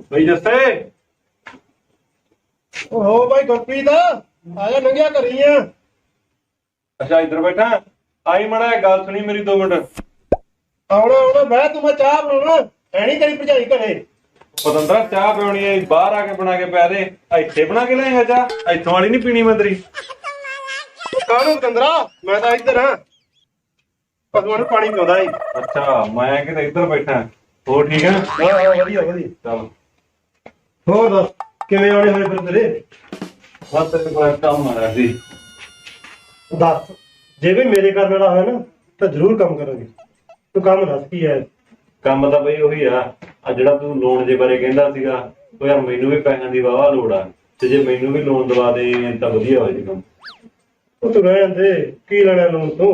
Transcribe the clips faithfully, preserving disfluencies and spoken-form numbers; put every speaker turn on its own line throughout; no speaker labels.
ਬਈ ਜੱਸੇ
ਓਹੋ ਭਾਈ ਗੁਰਪ੍ਰੀਤ ਆ ਜਾ ਲੰਘਿਆ ਕਰੀ ਆ।
ਅੱਛਾ ਇੱਧਰ ਬੈਠਾ ਆਈ ਮੜਾ ਗੱਲ ਸੁਣੀ ਮੇਰੀ ਦੋ ਮਿੰਟ।
ਆਉਣਾ ਆਉਣਾ ਬਹਿ ਤੂੰ, ਮੈਂ ਚਾਹ ਬਣਾਉਣਾ ਹੈ ਨੀ ਤੇਰੀ ਭਰਜਾਈ ਘਰੇ।
ਪਤੰਦਰਾ ਚਾਹ ਪਿਉਣੀ ਹੈ ਬਾਹਰ ਆ ਕੇ ਬਣਾ ਕੇ ਪੈ ਦੇ। ਇੱਥੇ ਬਣਾ ਕੇ ਲਿਆਏਗਾ ਚਾਹ? ਇੱਥੋਂ ਵਾਲੀ ਨੀ ਪੀਣੀ ਮੈਂ ਤੇਰੀ।
ਕਾਹਨੂੰ ਪਤੰਦਰਾ, ਮੈਂ ਤਾਂ ਇੱਧਰ ਹਾਂ ਪਸ਼ੂਆਂ ਨੂੰ ਪਾਣੀ ਪਿਆਉਂਦਾ ਈ।
ਅੱਛਾ ਮੈਂ ਕਿਤੇ ਇੱਧਰ ਬੈਠਾ। ਹੋਰ ਠੀਕ ਹੈ?
ਹਾਂ ਹਾਂ ਵਧੀਆ ਵਧੀਆ।
ਚੱਲ
ਹੋਰ ਦੱਸ ਕਿਵੇਂ ਆਉਣੇ ਹੋਏ ਫਿਰ ਤੇਰੇ?
ਬਸ ਤੇਰੇ ਕੋਲ ਕੰਮ ਆ ਰਿਹਾ ਸੀ।
ਦੱਸ ਜੇ ਵੀ ਮੇਰੇ ਕਰਨ ਵਾਲਾ ਹੋਇਆ ਨਾ ਤਾਂ ਜ਼ਰੂਰ ਕੰਮ ਕਰਾਂਗੇ। ਤੂੰ ਕੰਮ ਦੱਸ ਕੀ ਹੈ?
ਕੰਮ ਤਾਂ ਬਈ ਉਹੀ ਆ ਆ ਜਿਹੜਾ ਤੂੰ ਲੋਨ ਦੇ ਬਾਰੇ ਕਹਿੰਦਾ ਸੀਗਾ। ਉਹ ਯਾਰ ਮੈਨੂੰ ਵੀ ਪੈਸਿਆਂ ਦੀ ਵਾਹਵਾ ਲੋੜ ਆ, ਤੇ ਜੇ ਮੈਨੂੰ ਵੀ ਲੋਨ ਦਵਾ ਦੇ ਤਾਂ ਵਧੀਆ ਹੋ ਜਾਏਗਾ।
ਉਹ ਤੂੰ ਰਹਿ ਜਾਂਦੇ, ਕੀ ਲੈਣਾ ਲੋਨ ਤੋਂ?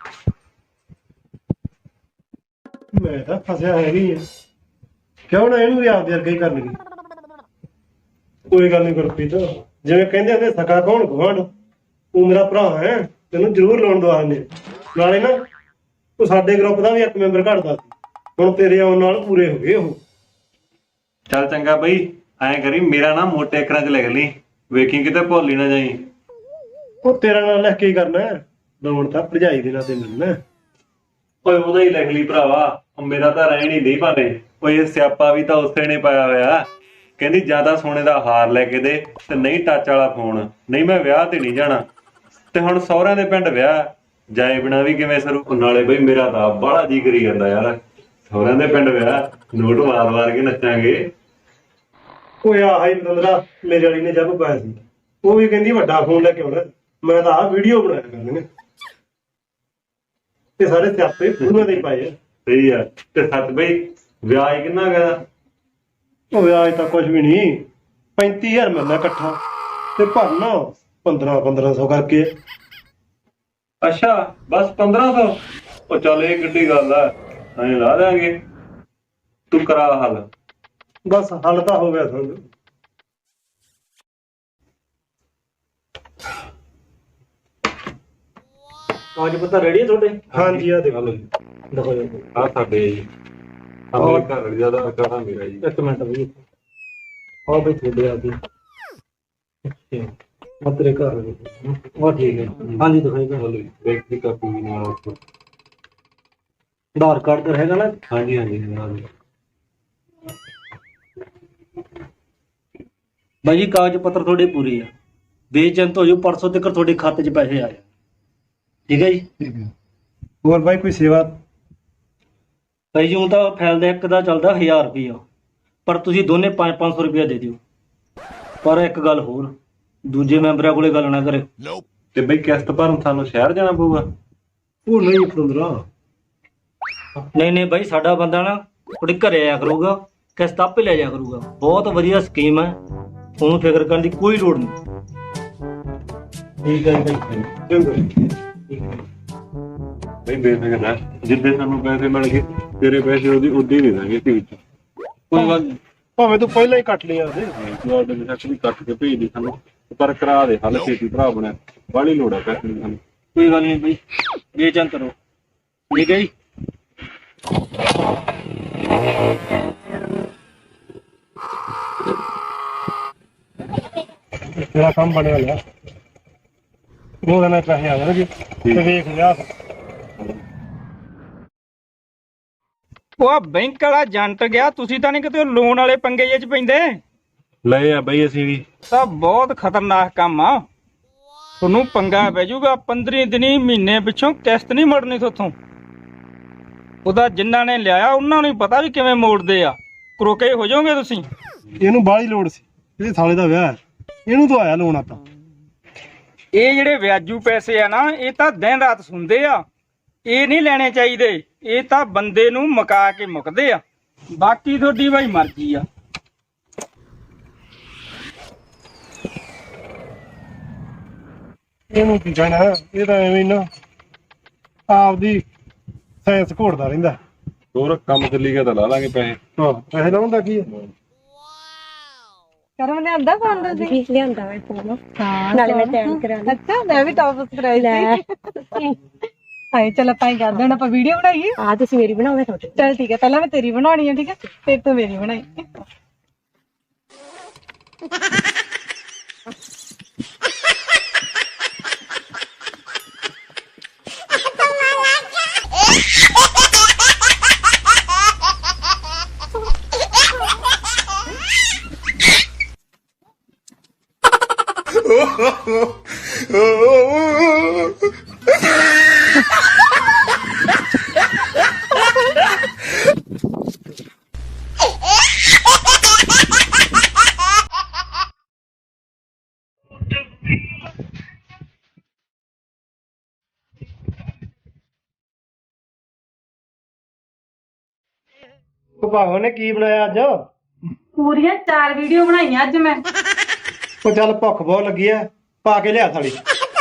ਮੈਂ ਤਾਂ ਫਸਿਆ ਹੈਗੀ ਆ, ਕਿਉਂ ਨਾ ਇਹਨੂੰ ਵੀ ਆਪਦੇ ਵਰਗਾ ਹੀ ਕਰਨਗੇ। ਕੋਈ ਗੱਲ ਨੀ ਗੁਰਪ੍ਰੀਤ, ਜਿਵੇਂ ਕਹਿੰਦੇ ਹੁੰਦੇ ਸਕਾ ਕੌਣ ਗੁਆਂਢ, ਤੂੰ ਮੇਰਾ ਭਰਾ ਹੈ, ਤੈਨੂੰ ਜ਼ਰੂਰ ਲੋਨ ਦਵਾ ਦਿੰਦੇ। ਨਾਲੇ ਨਾ ਤੂੰ ਸਾਡੇ ਗਰੁੱਪ ਦਾ ਵੀ ਇੱਕ ਮੈਂਬਰ ਘੱਟਦਾ ਸੀ, ਹੁਣ ਤੇਰੇ ਆਉਣ ਨਾਲ ਪੂਰੇ ਹੋ ਗਏ ਉਹ।
ਚੱਲ ਚੰਗਾ ਬਈ, ਐਂ ਕਰੀ ਮੇਰਾ ਨਾ ਮੋਟੇ ਅੱਖਰਾਂ 'ਚ ਲਿਖ ਲਈ, ਵੇਖੀ ਕਿਤੇ ਭੁੱਲ ਹੀ ਨਾ ਜਾਈ।
ਉਹ ਤੇਰਾ ਨਾਲ ਲਿਖ ਕੇ ਹੀ ਕਰਨਾ, ਲੋਨ ਤਾਂ ਭਰਜਾਈ ਦੇ ਨਾਲ ਤੇ ਮਿਲਣਾ।
ਓਏ ਉਹਦਾ ਹੀ ਲਿਖ ਲਈ ਭਰਾਵਾ, ਮੇਰਾ ਤਾਂ ਰਹਿਣ ਹੀ ਨਹੀਂ ਭਾਵੇਂ। ਓਏ ਇਹ ਸਿਆਪਾ ਵੀ ਤਾਂ ਉਸੇ ਨੇ ਪਾਇਆ ਹੋਇਆ। ਕਹਿੰਦੀ ਜਿਆਦਾ ਸੋਨੇ ਦਾ ਹਾਰ ਲੈ ਕੇ ਦੇ ਤੇ ਨਹੀਂ ਟੱਚ ਵਾਲਾ ਫੋਨ, ਨਹੀਂ ਮੈਂ ਵਿਆਹ ਤੇ ਨਹੀਂ ਜਾਣਾ। ਤੇ ਹੁਣ ਸਹੁਰਿਆਂ ਦੇ ਪਿੰਡ ਵਿਆਹ ਜਾਏ ਬਿਨਾ ਵੀ ਕਿਵੇਂ ਸਰੂ? ਨਾਲੇ ਬਈ ਮੇਰਾ ਤਾਂ ਬਾਹਲਾ ਜੀ ਕਰੀ ਜਾਂਦਾ ਯਾਰ, ਸਹੁਰਿਆਂ ਦੇ ਪਿੰਡ ਵਿਆਹ, ਨੋਟ ਮਾਰ ਮਾਰ ਕੇ ਨੱਚਾਂਗੇ।
ਓਏ ਆਹ ਹੀ ਪਤੰਦਰਾ ਮੇਰੇ ਵਾਲੀ ਨੇ ਜੱਬ ਪਾਇਆ ਸੀ, ਉਹ ਵੀ ਕਹਿੰਦੀ ਵੱਡਾ ਫੋਨ ਲੈ ਕੇ ਆਉਣਾ। ਮੈਂ ਤਾਂ ਆਹ ਵੀਡੀਓ ਬਣਾਇਆ ਕਰਨੀਆਂ। ਇਹ ਸਾਰੇ ਸਿਆਪੇ ਪੂਰੀਆਂ ਦੇ ਹੀ ਪਾਏ ਆ।
ਸਹੀ ਆ। ਤੇ ਸੱਚ ਬਈ ਵਿਆਹ ਕਿੰਨਾ ਗਿਆ?
ਉਹ ਵਿਆਜ ਤਾਂ ਕੁਝ ਵੀ ਨਹੀਂ, ਪੈਂਤੀ ਹਜ਼ਾਰ ਮਹੀਨਾ ਇਕੱਠਾ, ਤੇ ਭਰਨਾ ਪੰਦਰਾਂ ਪੰਦਰਾਂ ਸੌ ਕਰਕੇ।
ਅੱਛਾ ਬਸ ਪੰਦਰਾਂ ਸੌ? ਉਹ ਚੱਲ ਇਹ ਕਿੱਡੀ ਗੱਲ ਆ, ਐਂ ਲਾ ਦਿਆਂਗੇ। ਤੂੰ ਕਰਾ ਹੱਲ।
ਬਸ ਹੱਲ ਤਾਂ ਹੋ ਗਿਆ ਸਮਝ।
ਕਾਗਜ਼ ਪੱਤਰ ਰੈਡੀ ਹੈ ਤੁਹਾਡੇ?
ਹਾਂਜੀ ਆ ਦੇਖੋ
ਦੇਖੋ ਜੀ,
ਆ ਸਾਡੇ ਜੀ ਆਪਣੇ ਘਰ ਵਾਲੀ ਦਾ ਆਧਾਰ ਕਾਰਡ ਆ ਮੇਰਾ ਜੀ।
ਇੱਕ ਮਿੰਟ ਬਈ, ਆਹ ਬਈ ਤੁਹਾਡੇ ਆ ਗਏ। ਅੱਛਾ ਤੇਰੇ ਘਰ ਵਾਲੇ ਉਹ ਠੀਕ ਹੈ। ਹਾਂਜੀ ਦਿਖਾਈ ਘਰ ਵਾਲੇ
ਬੈਂਕ ਦੀ ਕਾਪੀ ਵੀ ਨਾਲ ਉੱਪਰ।
ਆਧਾਰ ਕਾਰਡ ਤਾਂ ਹੈਗਾ ਨਾ?
ਹਾਂਜੀ ਹਾਂਜੀ ਨਾਲ।
ਬਾਈ ਜੀ ਕਾਗਜ਼ ਪੱਤਰ ਤੁਹਾਡੇ ਪੂਰੇ ਆ, ਬੇਚਿੰਤ ਹੋ ਜਾਓ, ਪਰਸੋਂ ਤੱਕ ਤੁਹਾਡੇ ਖਾਤੇ 'ਚ ਪੈਸੇ ਆ ਜਾਣ। ਠੀਕ ਹੈ ਜੀ?
ਠੀਕ ਹੈ। ਹੋਰ ਬਾਈ ਕੋਈ ਸੇਵਾ?
ਭਾਈ ਜੀ ਹੁਣ ਤਾਂ ਫਾਈਲ ਦਾ ਇੱਕ ਦਾ ਚੱਲਦਾ ਹਜ਼ਾਰ ਰੁਪਈਆ, ਪਰ ਤੁਸੀਂ ਦੋਨੇ ਪੰਜ ਪੰਜ ਸੌ ਰੁਪਇਆ ਦੇ ਦਿਓ। ਪਰ ਇੱਕ ਗੱਲ ਹੋਰ, ਦੂਜੇ ਮੈਂਬਰਾਂ ਕੋਲੇ ਗੱਲ ਨਾ ਕਰਿਓ।
ਤੇ ਬਈ ਕਿਸ਼ਤ ਭਰਨ ਸਾਨੂੰ ਸ਼ਹਿਰ ਜਾਣਾ ਪਊਗਾ?
ਉਹ ਨਹੀਂ ਪਤੰਦਰਾ।
ਨਹੀਂ ਨਹੀਂ ਬਾਈ, ਸਾਡਾ ਬੰਦਾ ਨਾ ਤੁਹਾਡੇ ਘਰੇ ਆਇਆ ਕਰੂਗਾ, ਕਿਸ਼ਤ ਆਪੇ ਲੈ ਜਾਇਆ ਕਰੂਗਾ। ਬਹੁਤ ਵਧੀਆ ਸਕੀਮ ਹੈ, ਤੁਹਾਨੂੰ ਫਿਕਰ ਕਰਨ ਦੀ ਕੋਈ ਲੋੜ ਨਹੀਂ। ਠੀਕ ਹੈ ਜੀ ਬਾਈ। ਠੀਕ ਹੈ
ਬਈ ਬੇਫਿਕਰ ਰਹਿ, ਜਿੱਦੇ ਸਾਨੂੰ ਪੈਸੇ ਮਿਲ ਗਏ ਤੇਰੇ ਪੈਸੇ ਉਹਦੀ ਉਦੀ ਦੇ ਦਾਂਗੇ ਤੇ ਵਿੱਚ। ਕੋਈ ਗੱਲ ਨੀ।
ਭਾਵੇਂ ਤੂੰ ਪਹਿਲਾਂ ਹੀ ਕੱਟ ਲਿਆ ਉਹਦੇ।
ਤੂੰ ਆਪਦੇ ਨਸ਼ਕ ਵੀ ਕੱਟ ਕੇ ਭੇਜ ਦੇ ਸਾਨੂੰ, ਪਰ ਕਰਾ ਦੇ ਹੱਲ ਛੇਤੀ ਭਰਾ ਬਣਿਆ, ਬਾਹਲੀ ਲੋੜ ਆ ਪੈਸੇ ਦੀ ਸਾਨੂੰ।
ਕੋਈ ਗੱਲ ਨਹੀਂ ਬਾਈ, ਬੇਚਿੰਤ ਰਹੋ। ਠੀਕ ਹੈ ਜੀ?
ਤੇਰਾ ਕੰਮ ਬਣਿਆ ਲਿਆ, ਉਹ ਕਹਿੰਦਾ ਪੈਸੇ ਆ ਜਾਣਗੇ ਤੇ ਵੇਖ ਲਿਆ।
ਉਹ ਬੈਂਕ ਵਾਲਾ ਜੰਟ ਗਿਆ, ਤੁਸੀਂ ਤਾਂ ਨਹੀਂ ਕਿਤੇ ਲੋਨ ਵਾਲੇ ਪੰਗੇ ਜਿਹੇ ਚ ਪੈਂਦੇ?
ਲਏ ਆ ਬਈ ਅਸੀਂ ਵੀ।
ਤਾਂ ਬਹੁਤ ਖਤਰਨਾਕ ਕੰਮ ਆ, ਤੁਹਾਨੂੰ ਪੰਗਾ ਪੈ ਜਾਊਗਾ। ਪੰਦਰਾਂ ਦਿਨੀ ਮਹੀਨੇ ਪਿੱਛੋਂ ਕਿਸ਼ਤ ਨਹੀਂ ਮੁੜਨੀ ਤੁਹਾਥੋਂ। ਉਹਦਾ ਜਿਨ੍ਹਾਂ ਨੇ ਲਿਆਇਆ ਉਹਨਾਂ ਨੂੰ ਹੀ ਪਤਾ ਵੀ ਕਿਵੇਂ ਮੋੜਦੇ ਆ, ਕਰੋਕੇ ਹੋ ਜਾਓਗੇ ਤੁਸੀਂ।
ਇਹਨੂੰ ਬਾਹਲੀ ਲੋੜ ਸੀ, ਇਹ ਸਾਲੇ ਦਾ ਵਿਆਹ ਹੈ, ਇਹਨੂੰ ਤਾਂ ਆਇਆ ਲੋਨ ਆਪਾਂ।
ਇਹ ਜਿਹੜੇ ਵਿਆਜੂ ਪੈਸੇ ਆ ਨਾ, ਇਹ ਤਾਂ ਦਿਨ ਰਾਤ ਸੁਣਦੇ ਆ, ਇਹ ਨਹੀਂ ਲੈਣੇ ਚਾਹੀਦੇ। ਇਹ ਤਾਂ ਬੰਦੇ ਨੂੰ ਮੁਕਾ ਕੇ ਮੁੱਕਦੇ ਆ। ਬਾਕੀ ਤੁਹਾਡੀ ਭਾਈ ਮਰਜ਼ੀ ਆ।
ਇਹਨੂੰ ਕੀ ਕਹਿਣਾ, ਇਹ ਤਾਂ ਐਵੇਂ ਨਾ ਆਪਦੀ ਸਾਇੰਸ ਘੋੜਦਾ ਰਹਿੰਦਾ।
ਹੋਰ ਕੰਮ ਚੱਲੀ ਗਿਆ ਤਾਂ ਲਾ ਲਾਂਗੇ ਪੈਸੇ।
ਹਾਂ ਪੈਸੇ ਲਾਉਣ ਦਾ ਕੀ ਹੈ?
ਕਰਮ ਲਿਆਂਦਾ ਫੋਨ ਤੁਸੀਂ?
ਜੀ ਲਿਆਂਦਾ ਮੈਂ ਫੋਨ।
ਹਾਂ
ਨਾਲੇ ਮੈਂ ਟੈਨ ਕਰਾ ਲਈ।
ਅੱਛਾ ਮੈਂ ਵੀ ਟੌਪ ਸਬਸਕ੍ਰਾਈਬ ਸੀ। ਹਾਏ ਚਲ ਆਪਾਂ ਹੀ ਕਰਦੇ ਹਾਂ, ਆਪਾਂ ਵੀਡੀਓ ਬਣਾਈਏ।
ਆ ਤੁਸੀਂ ਮੇਰੀ ਬਣਾਓ, ਮੈਂ ਤੁਹਾਡੀ।
ਚਲ ਠੀਕ ਹੈ, ਪਹਿਲਾਂ ਮੈਂ ਤੇਰੀ ਬਣਾਉਣੀ ਹੈ, ਠੀਕ ਹੈ, ਫਿਰ ਤੂੰ ਮੇਰੀ ਬਣਾਈ।
ਉਹ ਭਾਗੋ ਨੇ ਕੀ ਬਣਾਇਆ ਅੱਜ?
ਪੂਰੀਆਂ ਚਾਰ ਵੀਡੀਓ ਬਣਾਈਆਂ ਅੱਜ ਮੈਂ।
ਉਹ ਚੱਲ ਭੁੱਖ ਬਹੁਤ ਲੱਗੀ ਐ, ਪਾ ਕੇ ਲਿਆ ਥਾਲੀ।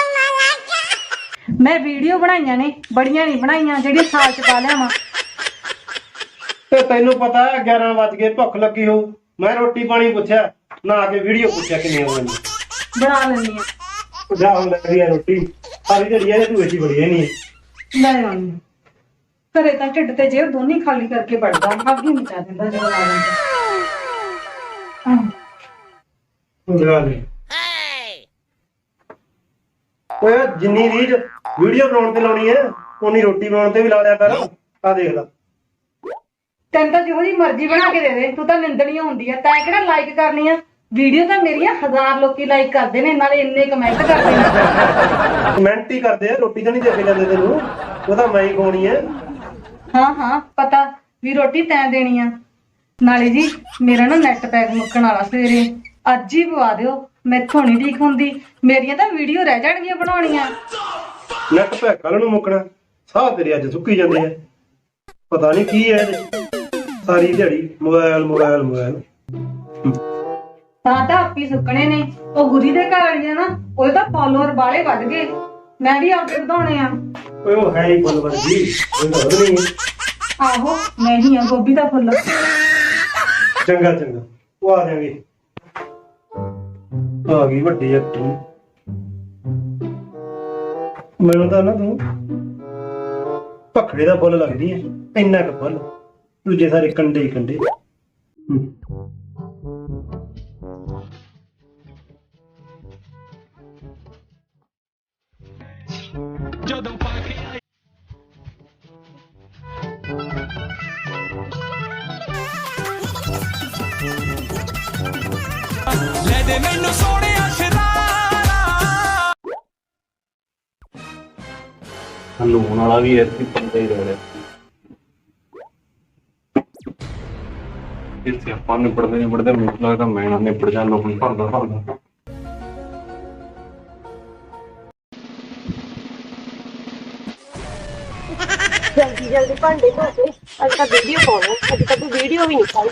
ਮੈਂ ਵੀਡੀਓ ਬਣਾਈਆਂ ਨੇ, ਬੜੀਆਂ ਨਹੀਂ ਬਣਾਈਆਂ ਜਿਹੜੀਆਂ ਸਾਲ ਚ ਪਾ ਲਿਆਵਾਂ।
ਤੇ ਤੈਨੂੰ ਪਤਾ ਹੈ ਗਿਆਰਾਂ ਵੱਜ ਗਏ, ਭੁੱਖ ਲੱਗੀ ਹੋ। ਮੈਂ ਰੋਟੀ ਪਾਣੀ ਪੁੱਛਿਆ ਨਾ ਆ ਕੇ ਵੀਡੀਓ ਪੁੱਛਿਆ ਕਿੰਨੀ ਹੋ ਗਈ।
ਬਣਾ ਲੈਂਦੀ ਆ।
ਜਾ ਹੁਣ ਲੱਗੀ ਆ ਰੋਟੀ, ਸਾਰੀ ਜਿਹੜੀ ਐ ਤੂੰ ਏਸੀ ਬੜੀ ਐ ਨਹੀਂ।
ਲੈ ਆਉਣੀ ਘਰੇ ਤਾਂ ਢਿੱਡ ਤੇ ਜੇਬ ਦੋਨੀ ਖਾਲੀ ਕਰਕੇ ਵੜਦਾ, ਅੱਗ ਹੀ ਮਚਾ ਦਿੰਦਾ ਜਦੋਂ ਲਾ ਲੈਂਦਾ।
ਲਗਾ ਦੇ ਓਏ, ਜਿੰਨੀ ਰੀਝ ਵੀਡੀਓ ਬਣਾਉਣ ਤੇ ਲਾਉਣੀ ਐ ਉਨੀ ਰੋਟੀ ਬਣਾਉਣ ਤੇ ਵੀ ਲਾ ਲਿਆ ਕਰ। ਆ ਦੇਖ ਲੈ,
ਤੈਨੂੰ ਤਾਂ ਜਿਹੋ ਜਿਹੀ ਮਰਜ਼ੀ ਬਣਾ ਕੇ ਦੇ ਦੇ, ਤੂੰ ਤਾਂ ਨਿੰਦਣੀ ਹੁੰਦੀ ਆ। ਤੈਂ ਕਿਹੜਾ ਲਾਈਕ ਕਰਨੀ ਆ? ਵੀਡੀਓ ਤਾਂ ਮੇਰੀਆਂ ਹਜ਼ਾਰ ਲੋਕੀ ਲਾਈਕ ਕਰਦੇ ਨੇ, ਨਾਲੇ ਇੰਨੇ ਕਮੈਂਟ ਕਰਦੇ ਨੇ।
ਕਮੈਂਟ ਹੀ ਕਰਦੇ ਆ, ਰੋਟੀ ਤਾਂ ਨਹੀਂ ਦੇ ਕੇ ਜਾਂਦੇ ਤੈਨੂੰ। ਉਹ ਤਾਂ ਮੈਂ ਹੀ ਖਵਾਉਣੀ ਐ।
ਹਾਂ ਹਾਂ ਪਤਾ ਵੀ ਰੋਟੀ ਤੈਂ ਦੇਣੀ ਆ। ਨਾਲੇ ਜੀ ਮੇਰਾ ਨਾ ਨੈਟ ਪੈਕ ਮੁੱਕਣ ਵਾਲਾ ਸਵੇਰੇ, ਅੱਜ ਹੀ ਪਵਾ ਦਿਓ। ਮੈਥੋਂ ਨਹੀਂ ਠੀਕ ਹੁੰਦੀ, ਮੇਰੀਆਂ ਤਾਂ ਵੀਡੀਓ ਰਹਿ ਜਾਣਗੀਆਂ ਬਣਾਉਣੀਆਂ।
ਨੈਟ ਪੈਕ ਕੱਲ ਨੂੰ ਮੁੱਕਣਾ, ਸਾਹ ਤੇਰੇ ਅੱਜ ਸੁੱਕੀ ਜਾਂਦੇ ਆ। ਪਤਾ ਨਹੀਂ ਕੀ ਹੈ ਇਹਦੇ ਚ, ਸਾਰੀ ਦਿਹਾੜੀ ਮੋਬਾਈਲ ਮੋਬਾਈਲ ਮੋਬਾਈਲ।
ਤਾਂ ਤਾਂ ਆਪੀ ਸੁੱਕਣੇ ਨੇ। ਉਹ ਗੁਰੀ ਦੇ ਘਰ ਵਾਲੀਆਂ ਨਾ, ਉਹਦੇ ਤਾਂ ਫਾਲੋਅਰ ਬਾਲੇ ਵੱਧ ਗਏ। ਮੈਂ ਵੀ ਆਪੇ ਵਧਾਉਣੇ ਆ।
ਓਏ ਉਹ ਹੈ ਹੀ ਫੁੱਲ ਵਰਗੀ, ਉਹ ਤਾਂ ਵਧਣੀ ਹੈ।
ਆਹੋ ਮੈਂ ਹੀ ਆ ਗੋਭੀ ਦਾ ਫੁੱਲ।
ਚੰਗਾ ਚੰਗਾ, ਉਹ ਆ ਜਾਵਾਂਗੇ। ਆ ਗਈ ਵੱਡੀ ਐਕਟਰ। ਮੈਨੂੰ ਤਾਂ ਨਾ ਤੂੰ ਭਖੜੇ ਦਾ ਫੁੱਲ ਲੱਗਦੀ ਹੈ, ਇੰਨਾ ਕੁ ਫੁੱਲ, ਦੂਜੇ ਸਾਰੇ ਕੰਡੇ ਹੀ ਕੰਡੇ।
ਜਦੋਂ ਪਾ ਕੇ ਲੈ ਦੇ ਮੈਨੂੰ ਸੋਹਣਿਆ ਸ਼ਰਾਰਾ।
ਲੂਣ ਵਾਲਾ ਵੀ ਇੱਥੇ ਪੰਦਾ ਹੀ ਰਹਿ ਰਿਹਾ। ਇੱਥੇ ਆਪਾਂ ਨਿਬੜਦੇ ਨਿਬੜਦੇ ਮੈਨੂੰ ਲੱਗਦਾ ਮੈਂ ਨਾ ਨਿਬੜ ਜਾ, ਲੋਹਣ ਭਰਦਾ ਭਰਦਾ।
ਜਲਦੀ ਜਲਦੀ ਭਾਂਡੇ ਧੋ ਕੇ ਅੱਜ ਤਾਂ ਵੀਡੀਓ ਪਾਉਣਾ। ਅੱਜ ਤਾਂ ਤੂੰ ਵੀਡੀਓ ਵੀ ਨਹੀਂ ਪਾਈ।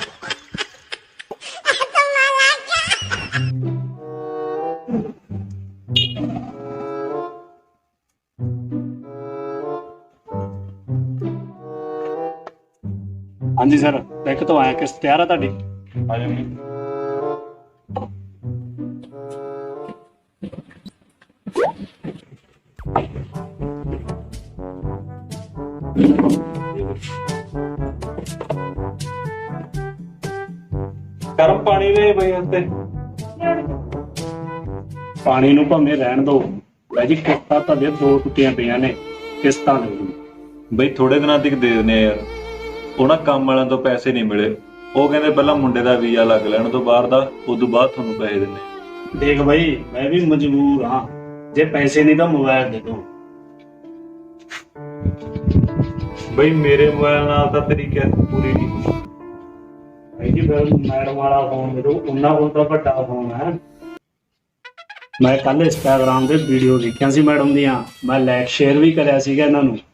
ਹਾਂਜੀ ਸਰ, ਬੈਂਕ ਤੋਂ ਆਇਆ, ਕਿਸ਼ਤ ਤਿਆਰ ਆ ਤੁਹਾਡੀ?
ਆ ਜਾ ਮੈਂ ਗਰਮ ਪਾਣੀ ਦੇ ਬਈ ਉੱਤੇ।
ਪਾਣੀ ਨੂੰ ਭਾਵੇਂ ਰਹਿਣ ਦਿਓ ਬਾਈ ਜੀ, ਕਿਸ਼ਤਾਂ ਤੁਹਾਡੇ ਦੋ ਟੁੱਟੀਆਂ ਪਈਆਂ ਨੇ, ਕਿਸ਼ਤਾਂ ਦੇ ਦਿਓ।
ਬਈ ਥੋੜੇ ਦਿਨਾਂ ਤੱਕ ਦੇ ਦਿੰਦੇ ਆ ਯਾਰ। ਉਹਨਾਂ ਕੰਮ ਵਾਲਿਆਂ ਤੋਂ ਪੈਸੇ ਨਹੀਂ ਮਿਲੇ, ਉਹ ਕਹਿੰਦੇ ਪਹਿਲਾਂ ਮੁੰਡੇ ਦਾ ਵੀਜ਼ਾ ਲੱਗ ਲੈਣ ਤੋਂ ਬਾਹਰ ਦਾ, ਉਦੋਂ ਬਾਅਦ ਤੁਹਾਨੂੰ ਪੈਸੇ ਦਿੰਦੇ।
ਦੇਖ ਬਾਈ, ਮੈਂ ਵੀ ਮਜਬੂਰ ਹਾਂ, ਜੇ ਪੈਸੇ ਨਹੀਂ ਤਾਂ ਮੋਬਾਈਲ ਦੇ ਦਿਓ।
ਬਈ ਮੇਰੇ ਮੋਬਾਈਲ ਨਾਲ ਤਾਂ ਤੇਰੀ ਕਿਸ਼ਤ ਪੂਰੀ ਨਹੀਂ ਹੋਈ।
ਬਾਈ ਜੀ ਫਿਰ ਮੈਡਮ ਵਾਲਾ ਫੋਨ ਦੇ ਦਿਓ, ਉਹਨਾਂ ਕੋਲ ਤਾਂ ਵੱਡਾ ਫੋਨ ਹੈ। ਮੈਂ ਕੱਲ ਇੰਸਟਾਗ੍ਰਾਮ ਤੇ ਵੀਡੀਓ ਦੇਖੀਆਂ ਸੀ ਮੈਡਮ ਦੀਆਂ, ਮੈਂ ਲਾਈਕ ਸ਼ੇਅਰ ਵੀ ਕਰਿਆ ਸੀਗਾ ਇਹਨਾਂ ਨੂੰ।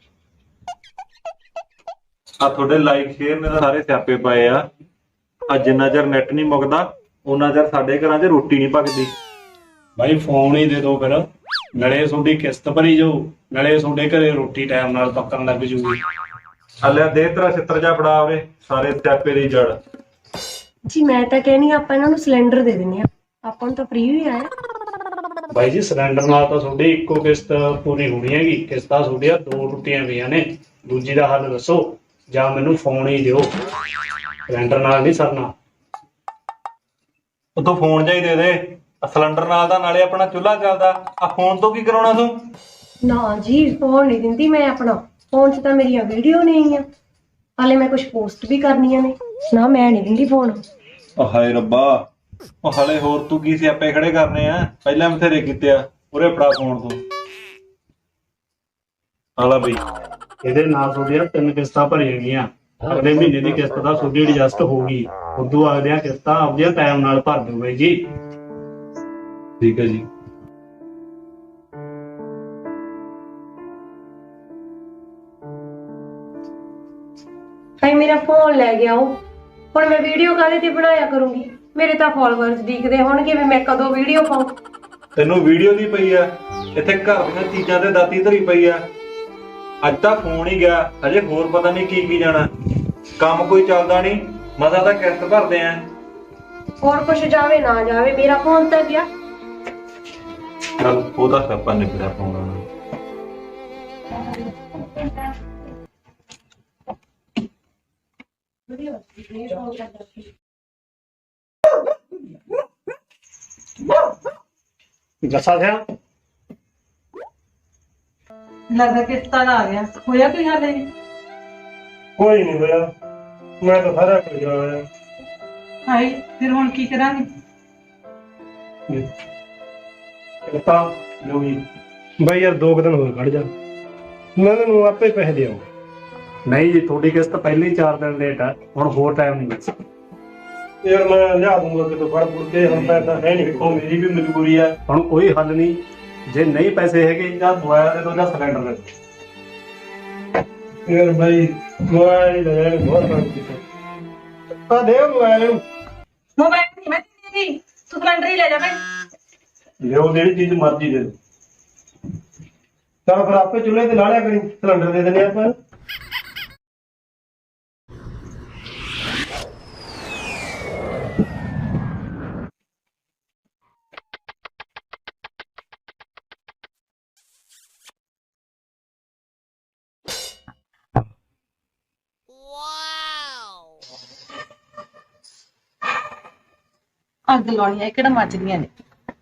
ਆ ਤੁਹਾਡੇ ਲਾਈਕ ਸ਼ੇਅਰ ਨੇ ਤਾਂ ਸਾਰੇ ਸਿਆਪੇ ਪਏ ਆ। ਆ ਜਿੰਨਾ ਚਿਰ ਨੈਟ ਨਹੀਂ ਮੁੱਕਦਾ ਉਹਨਾਂ ਚਿਰ ਸਾਡੇ ਘਰਾਂ 'ਚ ਰੋਟੀ ਨਹੀਂ ਪੱਕਦੀ।
ਬਾਈ ਫੋਨ ਹੀ ਦੇ ਦਿਓ ਫਿਰ, ਨਾਲੇ ਤੁਹਾਡੀ ਕਿਸ਼ਤ ਭਰੀ ਜਾਓ, ਨਾਲੇ ਤੁਹਾਡੇ ਘਰੇ ਰੋਟੀ ਟਾਈਮ ਨਾਲ ਪੱਕਣ ਲੱਗ ਜੂਗੀ।
ਹਲਿਆ ਦੇ ਤੇਰਾ ਛਿੱਤਰ ਜਾ ਫੜਾ ਆਵੇ, ਸਾਰੇ ਸਿਆਪੇ ਦੀ ਜੜ।
ਜੀ ਮੈਂ ਤਾਂ ਕਹਿੰਦੀ ਆਪਾਂ ਇਹਨਾਂ ਨੂੰ ਸਿਲੰਡਰ ਦੇ ਦਿੰਦੇ ਆ, ਆਪਾਂ ਨੂੰ ਤਾਂ ਫ੍ਰੀ ਵੀ ਆਇਆ।
ਬਾਈ ਜੀ ਸਿਲੰਡਰ ਨਾਲ ਤਾਂ ਤੁਹਾਡੀ ਇੱਕੋ ਕਿਸ਼ਤ ਪੂਰੀ ਹੋਣੀ ਹੈਗੀ, ਕਿਸ਼ਤਾਂ ਤੁਹਾਡੀਆਂ ਦੋ ਟੁੱਟੀਆਂ ਪਈਆਂ ਨੇ। ਦੂਜੀ ਦਾ ਹੱਲ ਦੱਸੋ, ਜਾਂ ਮੈਨੂੰ ਫੋਨ ਹੀ ਦਿਓ, ਸਿਲੰਡਰ ਨਾਲ ਨਹੀਂ ਸਰਨਾ।
ਉਹ ਤੂੰ ਫੋਨ ਜਿਹਾ ਹੀ ਦੇ ਦੇ, ਆਹ ਸਿਲੰਡਰ ਨਾਲ ਦਾ, ਨਾਲੇ ਆਪਣਾ ਚੁੱਲ੍ਹਾ ਚੱਲਦਾ, ਆ ਫੋਨ ਤੋਂ ਕੀ ਕਰਾਉਣਾ ਤੂੰ?
ਨਾ ਜੀ ਫੋਨ ਨਹੀਂ ਦਿੰਦੀ ਮੈਂ ਆਪਣਾ। ਫੋਨ 'ਚ ਤਾਂ ਮੇਰੀਆਂ ਵੀਡੀਓ ਨਹੀਂ ਆ, ਹਾਲੇ ਮੈਂ ਕੁਝ ਪੋਸਟ ਵੀ ਕਰਨੀਆਂ ਨੇ। ਨਾ ਮੈਂ ਨਹੀਂ ਦਿੰਦੀ ਫੋਨ।
ਓ ਹਾਏ ਰੱਬਾ, ਉਹ ਹਲੇ ਹੋਰ ਤੂੰ ਕੀ ਸਿਆਪੇ ਖੜੇ ਕਰਨੇ ਆ? ਪਹਿਲਾਂ ਬਥੇਰੇ ਕੀਤੇ ਆ। ਉਰੇ ਫੜਾ ਫੋਨ ਤੂੰ। ਆਲਾ ਬਈ,
ਇਹਦੇ ਨਾਲ ਤੁਹਾਡੀਆਂ ਤਿੰਨ ਕਿਸ਼ਤਾਂ ਭਰੀਆਂ ਗਈਆਂ। ਅਗਲੇ ਮਹੀਨੇ ਦੀ ਕਿਸ਼ਤ ਦਾ ਤੁਹਾਡੀ ਐਡਜਸਟ ਹੋ ਗਈ। ਉਦੋਂ ਅਗਲੀਆਂ ਕਿਸ਼ਤਾਂ ਆਪਦੀਆਂ ਟਾਈਮ ਨਾਲ ਭਰ ਦਿਓ ਬਾਈ ਜੀ।
ਠੀਕ ਹੈ ਜੀ।
ਭਾਈ ਮੇਰਾ ਫੋਨ ਲੈ ਗਿਆ ਉਹ। ਹੁਣ ਮੈਂ ਵੀਡੀਓ ਕਾਹਦੇ ਤੇ ਬਣਾਇਆ ਕਰੂੰਗੀ? ਮੇਰੇ ਤਾਂ ਫਾਲੋਅਰਸ ਦਿਖਦੇ ਹੋਣਗੇ ਵੀ ਮੈਂ ਕਦੋਂ ਵੀਡੀਓ ਪਾਉਂ।
ਤੈਨੂੰ ਵੀਡੀਓ ਦੀ ਪਈ ਆ, ਇੱਥੇ ਘਰ ਦੀਆਂ ਚੀਜ਼ਾਂ ਤੇ ਦਾਤੀ ਧਰੀ ਪਈ ਆ। ਅੱਜ ਤਾਂ ਫੋਨ ਹੀ ਗਿਆ, ਹਜੇ ਹੋਰ ਪਤਾ ਨਹੀਂ ਕੀ ਕੀ ਜਾਣਾ। ਕੰਮ ਕੋਈ ਚੱਲਦਾ ਨਹੀਂ, ਮਜ਼ਾ ਤਾਂ ਕਿਸ਼ਤ ਭਰਦੇ ਆ।
ਹੋਰ ਕੁਛ ਜਾਵੇ ਨਾ ਜਾਵੇ, ਮੇਰਾ ਫੋਨ ਤਾਂ ਗਿਆ।
ਚੱਲ ਉਹਦਾ ਸਿਆਪਾ ਨਿਬੜਿਆ ਫੋਨ ਨਾਲ।
ਜੱਸਾ ਸਿਆ
ਲੱਗਦਾ ਕਿਸ਼ਤਾਂ ਦਾ ਆ ਗਿਆ। ਹੋਇਆ ਕੋਈ ਹੱਲ ਨਹੀਂ?
ਕੋਈ ਨਹੀਂ ਹੋਇਆ, ਮੈਂ ਤਾਂ ਸਾਰਾ ਕੁਝ ਜਾਣਿਆ।
ਹਾਈ ਫਿਰ ਹੁਣ ਕੀ ਕਰਾਂਗੇ?
ਕਿਸ਼ਤਾਂ ਲਓ ਜੀ ਬਾਈ ਯਾਰ, ਦੋ ਕੁ ਦਿਨ ਹੋਰ ਕੱਢ ਜਾ, ਮੈਂ ਤੈਨੂੰ ਆਪੇ ਪੈਸੇ ਦੇ ਆਊਂ। ਨਹੀਂ ਜੀ, ਤੁਹਾਡੀ ਕਿਸ਼ਤ ਪਹਿਲੇ ਹੀ ਚਾਰ ਦਿਨ ਲੇਟ ਆ, ਹੁਣ ਹੋਰ ਟਾਈਮ ਨਹੀਂ ਮਿਲ ਸਕਦਾ। ਯਾਰ ਮੈਂ ਲਿਆ ਦੂੰਗਾ ਕਿਤੋਂ ਫੜ ਫੁੜ ਕੇ, ਹੁਣ ਪੈਸਾ ਹੈ ਨਹੀਂ। ਉਹ ਮੇਰੀ ਵੀ ਮਜਬੂਰੀ ਆ, ਹੁਣ ਕੋਈ ਹੱਲ ਨਹੀਂ। ਜੇ ਨਹੀਂ ਪੈਸੇ ਹੈਗੇ ਜਾਂ ਮੋਬਾਈਲ ਦੇ ਦੋ ਜਾਂ ਸਿਲੰਡਰ ਦੇ ਦੋ। ਯਾਰ ਬਾਈ ਮੋਬਾਈਲ ਲੈ ਲੈ, ਬਹੁਤ ਕੰਮ ਕੀਤਾ। ਆ ਦੇ ਮੋਬਾਈਲ ਨੂੰ।
ਮੋਬਾਈਲ ਨਹੀਂ ਮੈਂ ਦੇਣੀ, ਤੂੰ ਸਿਲੰਡਰ ਹੀ ਲੈ ਜਾ ਭਾਈ।
ਲਿਓ ਜਿਹੜੀ ਚੀਜ਼ ਮਰਜ਼ੀ ਦੇ ਦੋ। ਚਲ ਫਿਰ ਆਪੇ ਚੁੱਲ੍ਹੇ ਤੇ ਲਾ ਲਿਆ ਕਰੀ, ਸਿਲੰਡਰ ਦੇ ਦਿੰਦੇ ਆਪਾਂ।
ਅੱਗ ਲਾਉਣੀ ਹੈ, ਕਿਹੜਾ ਮੱਚਦੀਆਂ ਨੇ।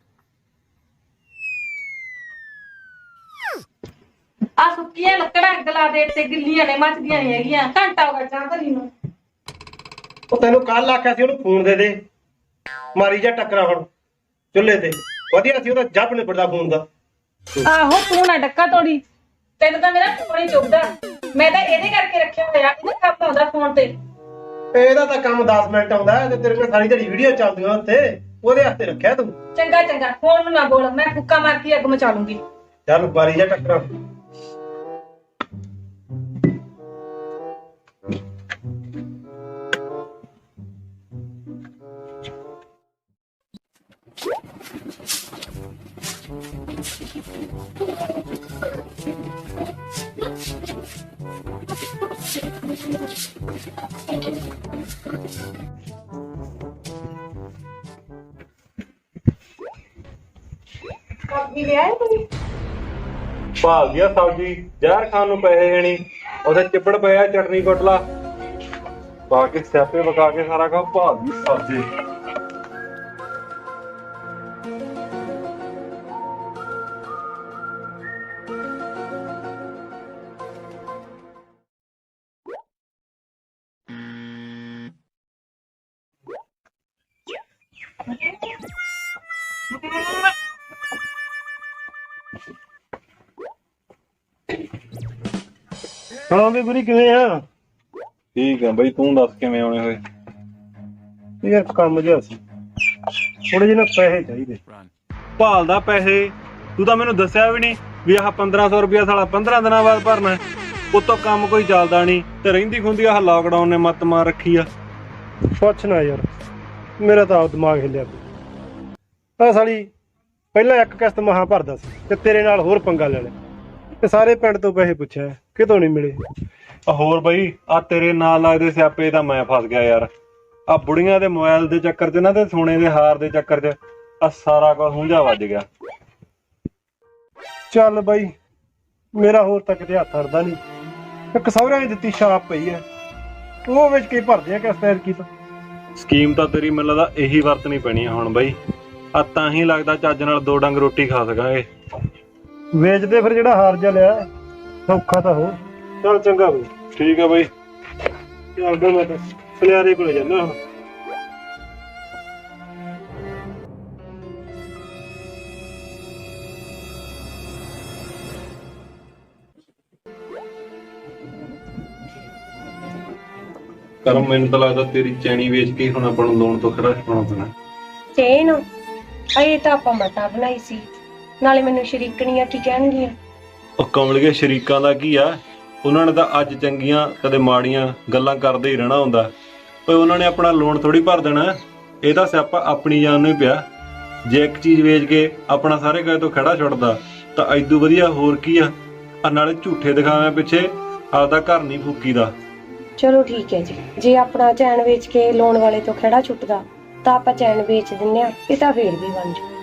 ਆ ਸੁੱਕੀਆਂ ਲੱਕੜਾਂ ਅੱਗ ਲਾ ਦੇ ਤੇ ਗਿੱਲੀਆਂ ਨੇ, ਮੱਚਦੀਆਂ ਨਹੀਂ ਹੈਗੀਆਂ। ਘੰਟਾ ਹੋ ਗਿਆ ਚਾਹ ਧਰੀ ਨੂੰ।
ਉਹ ਤੈਨੂੰ ਕੱਲ ਆਖਿਆ ਸੀ ਉਹਨੂੰ ਫੋਨ ਦੇ ਦੇ, ਮਾਰੀ ਜਾ ਟੱਕਰਾ ਹੁਣ ਚੁੱਲ੍ਹੇ ਤੇ। ਵਧੀਆ ਸੀ ਉਹਦਾ ਜੱਬ ਨਿਬੜਦਾ ਫੋਨ ਦਾ।
ਆਹੋ ਤੂੰ ਨਾ ਡੱਕਾ ਤੋੜੀ, ਤੈਨੂੰ ਤਾਂ ਮੇਰਾ ਫੋਨ ਹੀ ਚੁੱਭਦਾ। ਮੈਂ ਤਾਂ ਇਹਦੇ ਕਰਕੇ ਰੱਖਿਆ ਹੋਇਆ, ਇਹਦੇ ਕੰਮ ਆਉਂਦਾ ਫੋਨ ਤੇ।
ਇਹਦਾ ਤਾਂ ਕੰਮ ਦਸ ਮਿੰਟ ਆਉਂਦਾ ਤੇ ਤੇਰੇ ਕੋਲ ਸਾਰੀ ਦਿਹਾੜੀ ਵੀਡੀਓ ਚੱਲਦੀਆਂ ਉੱਥੇ, ਉਹਦੇ ਹੱਥੇ ਰੱਖਿਆ ਤੂੰ।
ਚੰਗਾ ਚੰਗਾ, ਫੋਨ ਨੂੰ ਨਾ ਬੋਲ, ਮੈਂ ਫੁੱਕਾ ਮਾਰ ਕੇ ਅੱਗ ਮਚਾ ਲੂੰਗੀ।
ਚੱਲ ਮਾਰੀ ਜਾ ਟੱਕਰਾ।
ਕਾਪੀ ਲਿਆਏ ਕੋਈ?
ਭਾਲ ਗਿਆ ਸਬਜ਼ੀ, ਜ਼ਹਿਰ ਖਾਣ ਨੂੰ ਪੈਸੇ ਹੈ ਨਹੀਂ, ਉਹਦੇ ਚਿੱਬੜ ਪਿਆ ਚਟਨੀ ਕੁੱਟ ਲਾ। ਪਾ ਕੇ ਸਿਆਪੇ ਵਕਾ ਕੇ ਸਾਰਾ ਕੰਮ ਭਾਲ ਗਈ ਸਬਜ਼ੀ।
ਹਾਂ ਵੀ ਗੁਰੀ ਕਿਵੇਂ ਆ?
ਠੀਕ ਆ ਬਈ, ਤੂੰ ਦੱਸ ਕਿਵੇਂ ਆਉਣੇ ਹੋਏ?
ਯਾਰ ਕੰਮ ਜਿਹਾ ਸੀ, ਥੋੜੇ ਜਿਹੇ ਨਾ ਪੈਸੇ ਚਾਹੀਦੇ।
ਭਾਲਦਾ ਪੈਸੇ? ਤੂੰ ਤਾਂ ਮੈਨੂੰ ਦੱਸਿਆ ਵੀ ਨਹੀਂ ਵੀ ਆਹ ਪੰਦਰਾਂ ਸੌ ਰੁਪਇਆ ਸਾਲਾ ਪੰਦਰਾਂ ਦਿਨਾਂ ਬਾਅਦ ਭਰਨਾ। ਉਤੋਂ ਕੰਮ ਕੋਈ ਚੱਲਦਾ ਨਹੀਂ ਤੇ ਰਹਿੰਦੀ ਖੁੰਦੀ ਆਹ ਲਾਕਡਾਊਨ ਨੇ ਮੱਤ ਮਾਰ ਰੱਖੀ ਆ।
ਪੁੱਛ ਨਾ ਯਾਰ, ਮੇਰਾ ਤਾਂ ਆਪ ਦਿਮਾਗ ਹਿੱਲਿਆ ਪਿਆ। ਆ ਸਾਲੀ ਪਹਿਲਾਂ ਇੱਕ ਕਿਸ਼ਤ ਮਹਾਂ ਭਰਦਾ ਸੀ ਤੇ ਤੇਰੇ ਨਾਲ ਹੋਰ ਪੰਗਾ ਲੈ ਲਿਆ ਤੇ ਸਾਰੇ ਪਿੰਡ ਤੋਂ ਪੈਸੇ ਪੁੱਛਿਆ, ਕਿਤੋਂ ਨਹੀਂ ਮਿਲੇ।
ਆ ਹੋਰ ਬਈ, ਆ ਤੇਰੇ ਨਾਲ ਲੱਗਦੇ ਸਿਆਪੇ ਤਾਂ ਮੈਂ ਫਸ ਗਿਆ ਯਾਰ। ਆ ਬੁੜੀਆਂ ਦੇ ਮੋਬਾਈਲ ਦੇ ਚੱਕਰ 'ਚ ਨਾ ਤੇ ਸੋਨੇ ਦੇ ਹਾਰ ਦੇ ਚੱਕਰ 'ਚ ਆ ਸਾਰਾ ਕੁਝ ਹੁੰਝਾ ਵੱਜ ਗਿਆ।
ਚੱਲ ਬਾਈ, ਮੇਰਾ ਹੋਰ ਤਾਂ ਕਿਤੇ ਹੱਥ ਅੜਦਾ ਨਹੀਂ। ਇੱਕ ਸਹੁਰਿਆਂ ਨੇ ਦਿੱਤੀ ਛਾਪ ਪਈ ਹੈ, ਉਹ ਵਿੱਚ ਕੇ ਭਰਦੇ ਆ ਕਿਸ਼ਤ ਐਤਕੀ ਤਾਂ।
ਸਕੀਮ ਤਾਂ ਤੇਰੀ ਮੈਨੂੰ ਲੱਗਦਾ ਇਹੀ ਵਰਤਣੀ ਪੈਣੀ ਆ ਹੁਣ ਬਈ। ਆ ਤਾਂ ਹੀ ਲੱਗਦਾ ਚੱਜ ਨਾਲ ਦੋ ਡੰਗ ਰੋਟੀ ਖਾ ਸਕਾਂਗੇ।
ਵੇਚਦੇ ਫਿਰ ਜਿਹੜਾ ਹਾਰ ਜਾ ਲਿਆ, ਸੌਖਾ ਤਾਂ ਹੋ। ਚੱਲ ਚੰਗਾ ਬਈ।
ਠੀਕ ਆ ਬਈ।
ਚੱਲਦਾ ਮੈਂ ਤਾਂ ਸੁਨਿਆਰੇ ਕੋਲੇ ਜਾਣਾ ਹੁਣ।
ਕਰਮ ਮੈਨੂੰ ਤਾਂ ਲੱਗਦਾ ਤੇਰੀ ਚੈਣੀ ਵੇਚ ਕੇ ਹੁਣ ਆਪਾਂ ਨੂੰ ਲੋਨ ਤੋਂ ਖੜਾ ਛੁਡਾਉਣਾ ਪੈਣਾ।
ਚੇਨ ਅਜੇ ਤਾਂ ਆਪਾਂ ਮਤਾ ਬਣਾਈ ਸੀ, ਨਾਲੇ ਮੈਨੂੰ ਸ਼ਰੀਕਣੀਆਂ ਕੀ ਕਹਿਣਗੀਆਂ।
ਉਹ ਕਮਲੀਏ ਸ਼ਰੀਕਾਂ ਦਾ ਕੀ ਆ, ਉਹਨਾਂ ਨੇ ਤਾਂ ਅੱਜ ਚੰਗੀਆਂ ਕਦੇ ਮਾੜੀਆਂ ਗੱਲਾਂ ਕਰਦੇ ਹੀ ਰਹਿਣਾ ਹੁੰਦਾ। ਓਏ ਉਹਨਾਂ ਨੇ ਆਪਣਾ ਲੋਨ ਥੋੜੀ ਭਰ ਦੇਣਾ। ਇਹ ਤਾਂ ਸਿਆਪਾ ਆਪਣੀ ਜਾਨ ਨੂੰ ਹੀ ਪਿਆ। ਜੇ ਇੱਕ ਚੀਜ਼ ਵੇਚ ਕੇ ਆਪਣਾ ਸਾਰੇ ਗਏ ਤੋਂ ਖੜਾ ਛੁੱਟਦਾ ਤਾਂ ਐਦੂ ਵਧੀਆ ਹੋਰ ਕੀ ਆ। ਆ ਨਾਲੇ ਝੂਠੇ ਦਿਖਾਵੇਂ ਪਿੱਛੇ ਆਪਦਾ ਘਰ ਨਹੀਂ ਫੂਕੀਦਾ।
ਚਲੋ ਠੀਕ ਹੈ ਜੀ, ਜੇ ਆਪਣਾ ਚੈਨ ਵੇਚ ਕੇ ਲੋਨ ਵਾਲੇ ਤੋਂ ਖੜਾ ਛੁੱਟਦਾ ਤਾਂ ਆਪਾਂ ਚੈਨ ਵੇਚ ਦਿੰਨੇ ਆ, ਇਹ ਤਾਂ ਫੇਰ ਵੀ ਬਣ ਜੂ।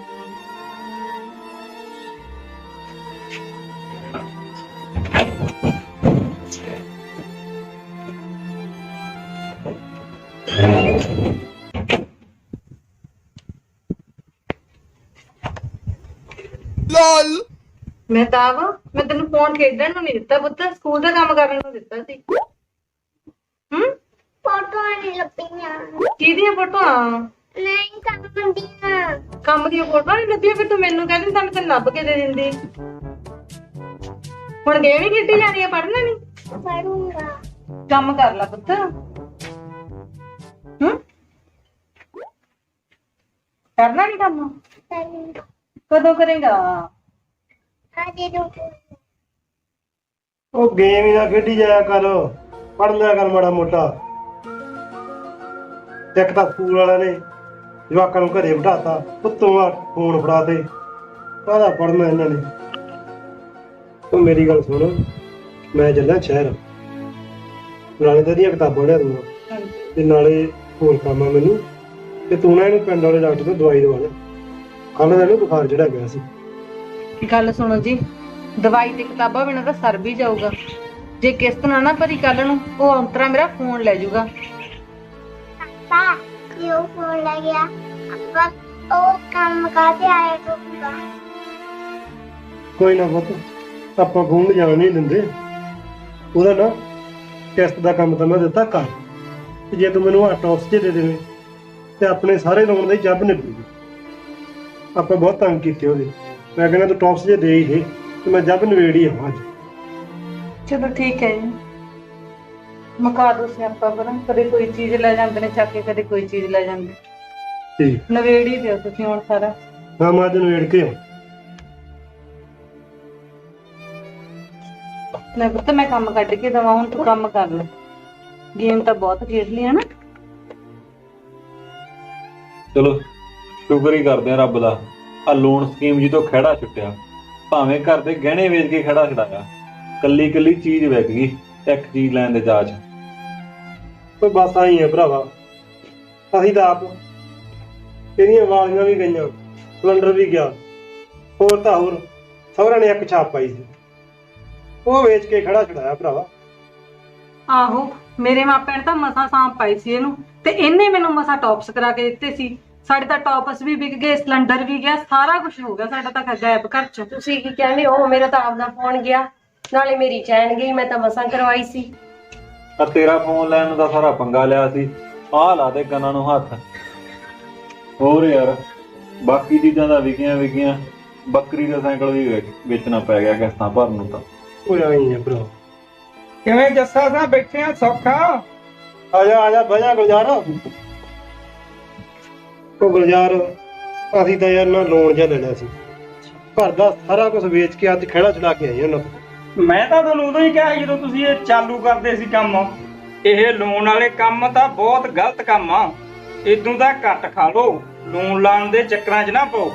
ਲੌਲ
ਮੈਂ ਤਾਂ ਵਾ ਮੈਂ ਤੈਨੂੰ ਫੋਨ ਖੇਡਣ ਨੂੰ ਨਹੀਂ ਦਿੱਤਾ ਪੁੱਤ, ਸਕੂਲ ਦਾ ਕੰਮ ਕਰਨ ਨੂੰ ਦਿੱਤਾ ਸੀ। ਹੂੰ
ਫੋਟੋਆਂ ਨਹੀਂ ਲੱਭੀਆਂ।
ਕਿਹਦੀਆਂ ਫੋਟੋਆਂ?
ਨਹੀਂ ਕੰਮ ਦੀਆਂ।
ਕੰਮ ਦੀਆਂ ਫੋਟੋਆਂ ਨਹੀਂ ਲੱਭੀਆਂ? ਫਿਰ ਤੂੰ ਮੈਨੂੰ ਕਹਿੰਦੀ ਤਾਂ ਮੈਂ ਤੈਨੂੰ ਲੱਭ ਕੇ ਦੇ ਦਿੰਦੀ। ਹੁਣ ਗੇਮ ਹੀ ਖੇਡੀ ਜਾਣੀ ਆ, ਪੜ੍ਹਨਾ ਨਹੀਂ?
ਪੜੂੰਗਾ।
ਕੰਮ ਕਰ ਲੈ ਪੁੱਤ। ਹੂੰ ਕਰਨਾ ਨਹੀਂ ਕੰਮ?
ਕਰੂੰਗਾ।
ਕਦੋਂ ਕਰੇਗਾ?
ਅਜੇ ਰੁਕ।
ਉਹ ਗੇਮ ਹੀ ਨਾ ਖੇਡੀ ਜਾਇਆ ਕਰ, ਪੜ੍ਹ ਲਿਆ ਕਰ ਮਾੜਾ ਮੋਟਾ। ਇੱਕ ਤਾਂ ਸਕੂਲ ਵਾਲਿਆਂ ਨੇ ਜਵਾਕਾਂ ਨੂੰ ਘਰੇ ਬਿਠਾਤਾ, ਉੱਤੋਂ ਆ ਫੋਨ ਫੜਾ ਤੇ। ਕਾਹਦਾ ਪੜ੍ਹਨਾ ਇਹਨਾਂ ਨੇ। ਤੂੰ ਮੇਰੀ ਗੱਲ ਸੁਣ, ਮੈਂ ਚੱਲਿਆ ਸ਼ਹਿਰ, ਨਾਲੇ ਤਾਂ ਇਹਦੀਆਂ ਕਿਤਾਬਾਂ ਲਿਆ ਦੂੰਗਾ ਤੇ ਨਾਲੇ ਹੋਰ ਕੰਮ ਆ ਮੈਨੂੰ। ਤੇ ਤੂੰ ਨਾ ਇਹਨੂੰ ਪਿੰਡ ਵਾਲੇ ਡਾਕਟਰ ਤੋਂ ਦਵਾਈ ਦਵਾ ਲੈ। ਕੱਲ੍ਹ ਦਾ ਇਹਨੂੰ ਬੁਖਾਰ ਚੜ੍ਹਿਆ ਗਿਆ ਸੀ।
ਗੱਲ ਸੁਣੋ ਜੀ, ਦਵਾਈ ਤੇ ਕਿਤਾਬਾਂ ਬਿਨਾਂ ਤਾਂ ਸਰ ਵੀ ਜਾਊਗਾ। ਜੇ ਕਿਸ਼ਤ ਨਾ ਨਾ ਭਰੀ ਕੱਲ ਨੂੰ, ਉਹ ਅੰਤਰਾ ਮੇਰਾ ਫੋਨ ਲੈ ਜਾਊਗਾ।
ਪਾਪਾ ਕਿਉਂ ਫੋਨ ਲੈ ਗਿਆ? ਆਪਾਂ ਉਹ ਕੰਮ ਕਾਹਦੇ ਆਇਆ ਕਰੂੰਗਾ।
ਕੋਈ ਨਾ ਪੁੱਤ, ਆਪਾਂ ਫੋਨ ਜਾਣ ਨਹੀਂ ਦਿੰਦੇ। ਉਹਦਾ ਨਾ ਕਿਸ਼ਤ ਦਾ ਕੰਮ ਤਾਂ ਮੈਂ ਦਿੱਤਾ ਕਰ। ਤੇ ਜੇ ਤੂੰ ਮੈਨੂੰ ਆ ਟੌਪਸ ਜੇ ਦੇ ਦੇਵੇਂ ਤੇ ਆਪਣੇ ਸਾਰੇ ਲੋਨ ਦੀ ਜੱਬ ਨਿਕਲੂਗੀ। ਆਪਾਂ ਬਹੁਤ ਤੰਗ ਕੀਤੇ ਉਹਦੇ। ਮੈਂ ਕਹਿੰਦਾ ਤੂੰ ਟੌਪਸ ਜੇ ਦੇ ਹੀ ਦੇ ਤੇ ਮੈਂ ਜੱਬ ਨਵੇੜ ਹੀ ਆਵਾਂ ਅੱਜ।
ਚਲੋ ਠੀਕ ਹੈ ਜੀ, ਮੁਕਾ ਦੋ ਸਿਆਪਾ ਪਰਾਂ। ਕਦੇ ਕੋਈ ਚੀਜ਼ ਲੈ ਜਾਂਦੇ ਨੇ ਚੱਕ ਕੇ, ਕਦੇ ਕੋਈ ਚੀਜ਼ ਲੈ ਜਾਂਦੇ।
ਠੀਕ
ਨਵੇੜ ਹੀ ਦਿਓ ਤੁਸੀਂ ਹੁਣ ਸਾਰਾ।
ਹਾਂ, ਮੈਂ ਅੱਜ ਨਵੇੜ ਕੇ ਆਉਂ।
ਮੈਂ ਪੁੱਤ ਮੈਂ ਕੰਮ ਕੱਢ ਕੇ ਦਵਾਂ, ਹੁਣ ਤੂੰ ਕੰਮ ਕਰ ਲੈ। ਗੇਮ ਤਾਂ ਬਹੁਤ ਖੇਡ ਲਈ ਹੈ ਨਾ।
ਚਲੋ ਸ਼ੁਕਰ ਹੀ ਕਰਦੇ ਆ ਰੱਬ ਦਾ, ਆ ਲੋਨ ਸਕੀਮ ਜੀ ਤੋਂ ਖਹਿੜਾ ਛੁੱਟਿਆ। ਭਾਵੇਂ ਘਰ ਦੇ ਗਹਿਣੇ ਵੇਚ ਕੇ ਖਹਿੜਾ ਛਡਾਇਆ, ਕੱਲੀ ਕੱਲੀ ਚੀਜ਼ ਵਿਕ ਗਈ ਇੱਕ ਚੀਜ਼ ਲੈਣ ਦੇ ਜਾਚ।
ਕੋਈ ਬਸ ਆਈ ਹੈ ਭਰਾਵਾ। ਅਸੀਂ ਤਾਂ ਆਪ ਇਹਦੀਆਂ ਵਾਲੀਆਂ ਵੀ ਗਈਆਂ, ਸਿਲੰਡਰ ਵੀ ਗਿਆ, ਹੋਰ ਤਾਂ ਹੋਰ ਸਹੁਰਿਆਂ ਨੇ ਇੱਕ ਛਾਪ ਪਾਈ ਸੀ, ਉਹ ਵੇਚ ਕੇ ਖੜਾ ਛਡਾਇਆ ਭਰਾਵਾ।
ਆਹੋ, ਮੇਰੇ ਮਾਪਿਆਂ ਨੇ ਤਾਂ ਮਸਾ ਸਾਂਪ ਪਾਈ ਸੀ ਇਹਨੂੰ, ਤੇ ਇਹਨੇ ਮੈਨੂੰ ਮਸਾ ਟੌਪਸ ਕਰਾ ਕੇ ਦਿੱਤੇ ਸੀ। ਸਾਡੇ ਤਾਂ ਟੌਪਸ ਵੀ ਵਿਕ ਗਏ, ਸਿਲੰਡਰ ਵੀ ਗਿਆ, ਸਾਰਾ ਕੁਝ ਹੋ ਗਿਆ ਸਾਡਾ ਤਾਂ ਗਾਇਬ ਘਰ ਚ।
ਤੁਸੀਂ ਕੀ ਕਹਿੰਦੇ ਹੋ? ਮੇਰਾ ਤਾਂ ਆਪਦਾ ਫੋਨ ਗਿਆ, ਨਾਲੇ ਮੇਰੀ ਚੈਨ ਗਈ। ਮੈਂ ਤਾਂ ਮਸਾਂ ਕਰਵਾਈ ਸੀ।
ਆ ਤੇਰਾ ਫੋਨ ਲੈਣ ਦਾ ਸਾਰਾ ਪੰਗਾ ਲਿਆ ਸੀ। ਆਹ ਲਾ ਦੇ ਕੰਨਾਂ ਨੂੰ ਹੱਥ। ਹੋਰ ਯਾਰ ਬਾਕੀ ਚੀਜ਼ਾਂ ਦਾ ਵਿਕੀਆਂ ਵਿਕੀਆਂ, ਬੱਕਰੀ ਦਾ ਸਾਈਕਲ ਵੀ ਵੇਚ- ਵੇਚਣਾ ਪੈ ਗਿਆ ਕਿਸ਼ਤਾਂ ਭਰਨ ਨੂੰ ਤਾਂ।
ਉਹ ਆਈ ਹੈ ਭਰਾ।
ਕਿਵੇਂ ਜੱਸਾ ਸਾਹਿਬ ਬੈਠੇ ਆ ਸੌਖਾ?
ਆ ਜਾ ਆ ਜਾ ਬਹਿ ਜਾ ਗੁਲਜ਼ਾਰ। ਉਹ ਗੁਲਜ਼ਾਰ, ਅਸੀਂ ਤਾਂ ਯਾਰ ਨਾ ਲੋਨ ਜਿਹਾ ਲੈ ਲਿਆ ਸੀ, ਘਰ ਦਾ ਸਾਰਾ ਕੁਝ ਵੇਚ ਕੇ ਅੱਜ ਖਹਿੜਾ ਚਲਾ ਕੇ ਆਏ ਉਹਨਾਂ ਤੋਂ।
ਮੈਂ ਤਾਂ ਤੁਹਾਨੂੰ ਉਦੋਂ ਹੀ ਕਿਹਾ ਸੀ ਜਦੋਂ ਤੁਸੀਂ ਇਹ ਚਾਲੂ ਕਰਦੇ ਸੀ ਕੰਮ। ਇਹ ਲੋਨ ਵਾਲੇ ਕੰਮ ਤਾਂ ਬਹੁਤ ਗਲਤ ਕੰਮ ਆ। ਇਦੋਂ ਦਾ ਘੱਟ ਖਾ ਲਓ, ਲੋਨ ਲਾਣ ਦੇ ਚੱਕਰਾਂ 'ਚ ਨਾ ਪਾਓ।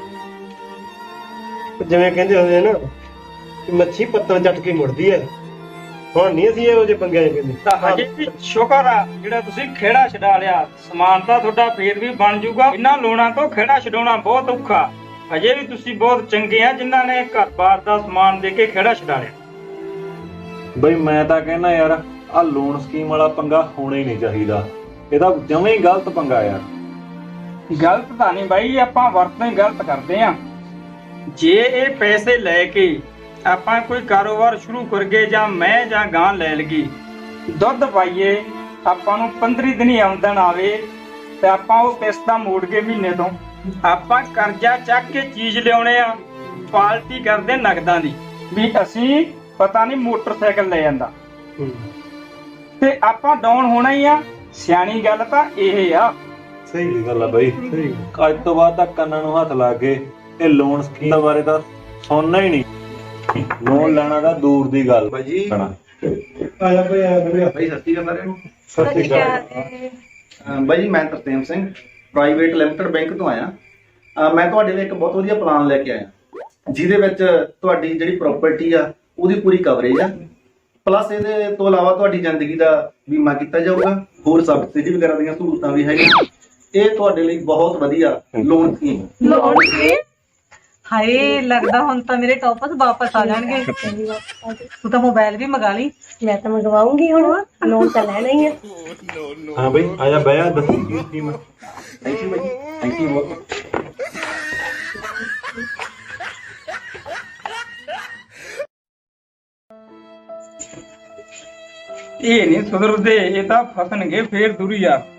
ਜਿਵੇਂ ਕਹਿੰਦੇ ਹੁੰਦੇ ਨਾ ਕਿ ਮੱਛੀ ਪੱਤਾਂ ਚੱਟ ਕੇ ਮੁੜਦੀ ਹੈ। ਹੁਣ ਨਹੀਂ ਅਸੀਂ ਇਹੋ ਜਿਹੇ ਪੰਗਿਆਂ 'ਚ ਪੈਂਦੇ।
ਤਾਂ ਹਜੇ ਵੀ ਸ਼ੁਕਰ ਆ ਜਿਹੜਾ ਤੁਸੀਂ ਖੇੜਾ ਛਡਾ ਲਿਆ। ਸਮਾਨ ਤਾਂ ਤੁਹਾਡਾ ਫੇਰ ਵੀ ਬਣ ਜਾਊਗਾ। ਇਹਨਾਂ ਲੋਨਾਂ ਤੋਂ ਖੇੜਾ ਛਡਾਉਣਾ ਬਹੁਤ ਔਖਾ। ਹਜੇ ਵੀ ਤੁਸੀਂ ਬਹੁਤ ਚੰਗੇ ਆ ਜਿਨ੍ਹਾਂ ਨੇ ਘਰ-ਬਾਰ ਦਾ ਸਮਾਨ ਦੇ ਕੇ ਖੇੜਾ ਛਡਾ ਲਿਆ।
ਬਈ ਮੈਂ ਤਾਂ ਕਹਿੰਦਾ ਯਾਰ ਆ ਲੋਨ ਸਕੀਮ ਵਾਲਾ ਪੰਗਾ ਹੋਣਾ ਹੀ ਨਹੀਂ ਚਾਹੀਦਾ। ਇਹ ਤਾਂ ਜਮਾਂ ਹੀ ਗਲਤ ਪੰਗਾ ਯਾਰ।
ਗਲਤ ਤਾਂ ਨਹੀਂ ਬਾਈ, ਆਪਾਂ ਵਰਤੋਂ ਹੀ ਗਲਤ ਕਰਦੇ ਆ। ਜੇ ਇਹ ਪੈਸੇ ਲੈ ਕੇ ਆਪਾਂ ਕੋਈ ਕਾਰੋਬਾਰ ਸ਼ੁਰੂ ਕਰਗੇ ਜਾਂ ਮੈਂ ਜਾਂ ਗਾਂ ਲੈ ਲਗੀ, ਦੁੱਧ ਪਾਈਏ, ਆਪਾਂ ਨੂੰ ਪੰਦਰਾਂ ਦਿਨੀ ਆਮਦਨ ਆਵੇ ਤੇ ਆਪਾਂ ਉਹ ਕਿਸ਼ਤਾਂ ਮੋੜ ਕੇ ਮਹੀਨੇ ਤੋਂ ਆਪਾਂ ਕਰਜ਼ਾ ਚੱਕ ਕੇ ਚੀਜ਼ ਲਿਆਉਣੇ ਆ, ਪਾਰਟੀ ਕਰਦੇ ਨਗਦਾਂ ਦੀ ਵੀ ਅਸੀਂ ਪਤਾ ਨਹੀਂ ਮੋਟਰਸਾਈਕਲ ਲੈ ਜਾਂਦਾ ਤੇ ਆਪਾਂ ਡਾਊਨ ਹੋਣਾ ਹੀ ਆ। ਸਿਆਣੀ ਗੱਲ ਤਾਂ ਇਹ ਆ।
ਸਹੀ ਗੱਲ ਆ ਬਾਈ। ਅੱਜ ਤੋਂ ਬਾਅਦ ਤਾਂ ਕੰਨਾਂ ਨੂੰ ਹੱਥ ਲਾ ਕੇ ਇਹ ਲੋਨ ਸਕੀਮ ਬਾਰੇ ਤਾਂ ਸੁਣਨਾ ਹੀ ਨਹੀਂ। ਲੋਨ ਲੈਣਾ ਤਾਂ ਦੂਰ ਦੀ ਗੱਲ
ਭਾਜੀ
ਕਰਨਾ।
ਆ ਜਾ ਬਈ ਆ ਬਈ
ਭਾਈ ਸਤਿ ਸ਼੍ਰੀ ਅਕਾਲ ਸਾਰਿਆਂ ਨੂੰ।
ਸਤਿ ਸ਼੍ਰੀ ਅਕਾਲ।
ਅਹ ਬਾਈ ਜੀ, ਮੈਂ Tarsem Singh private limited bank ਤੋਂ ਆਇਆ। ਅਹ ਮੈਂ ਤੁਹਾਡੇ ਲਈ ਇੱਕ ਬਹੁਤ ਵਧੀਆ ਪਲਾਨ ਲੈ ਕੇ ਆਇਆ, ਜਿਹਦੇ ਵਿੱਚ ਤੁਹਾਡੀ ਜਿਹੜੀ ਪ੍ਰਾਪਰਟੀ ਆ ਉਹਦੀ ਪੂਰੀ ਕਵਰੇਜ ਆ, ਪਲੱਸ ਇਹਦੇ ਤੋਂ ਇਲਾਵਾ ਤੁਹਾਡੀ ਜ਼ਿੰਦਗੀ ਦਾ ਬੀਮਾ ਕੀਤਾ ਜਾਊਗਾ, ਹੋਰ ਸਬਸਿਡੀ ਵਗੈਰਾ ਦੀਆਂ ਸਹੂਲਤਾਂ ਵੀ ਹੈਗੀਆਂ। ਇਹ ਤੁਹਾਡੇ ਲਈ ਬਹੁਤ ਵਧੀਆ ਲੋਨ ਸਕੀਮ ਹੈ।
ਲੋਨ ਕੀ? ਹਾਏ, ਲੱਗਦਾ ਹੁਣ ਤਾਂ ਮੇਰੇ ਟੌਪਸ ਵਾਪਸ ਆ ਜਾਣਗੇ। ਤੂੰ ਤਾਂ ਮੋਬਾਈਲ ਵੀ ਮੰਗਾ ਲਈ।
ਮੈਂ ਤਾਂ ਮੰਗਵਾਉਂਗੀ ਹੁਣ, ਲੋਨ ਤਾਂ ਲੈਣਾ ਹੀ ਆ।
ਹਾਂ ਬਾਈ ਆ ਜਾ ਬਹਿ ਜਾ, ਦੱਸੀ ਕੀ ਸਕੀਮ ਆ।
ਥੈਂਕ ਯੂ ਭਾਈ, ਥੈਂਕ ਯੂ ਬਹੁਤ।
ਇਹ ਨਹੀਂ ਸੁਧਰਦੇ, ਇਹ ਤਾਂ ਫਸਣਗੇ ਫੇਰ ਦੁਰੀਆ।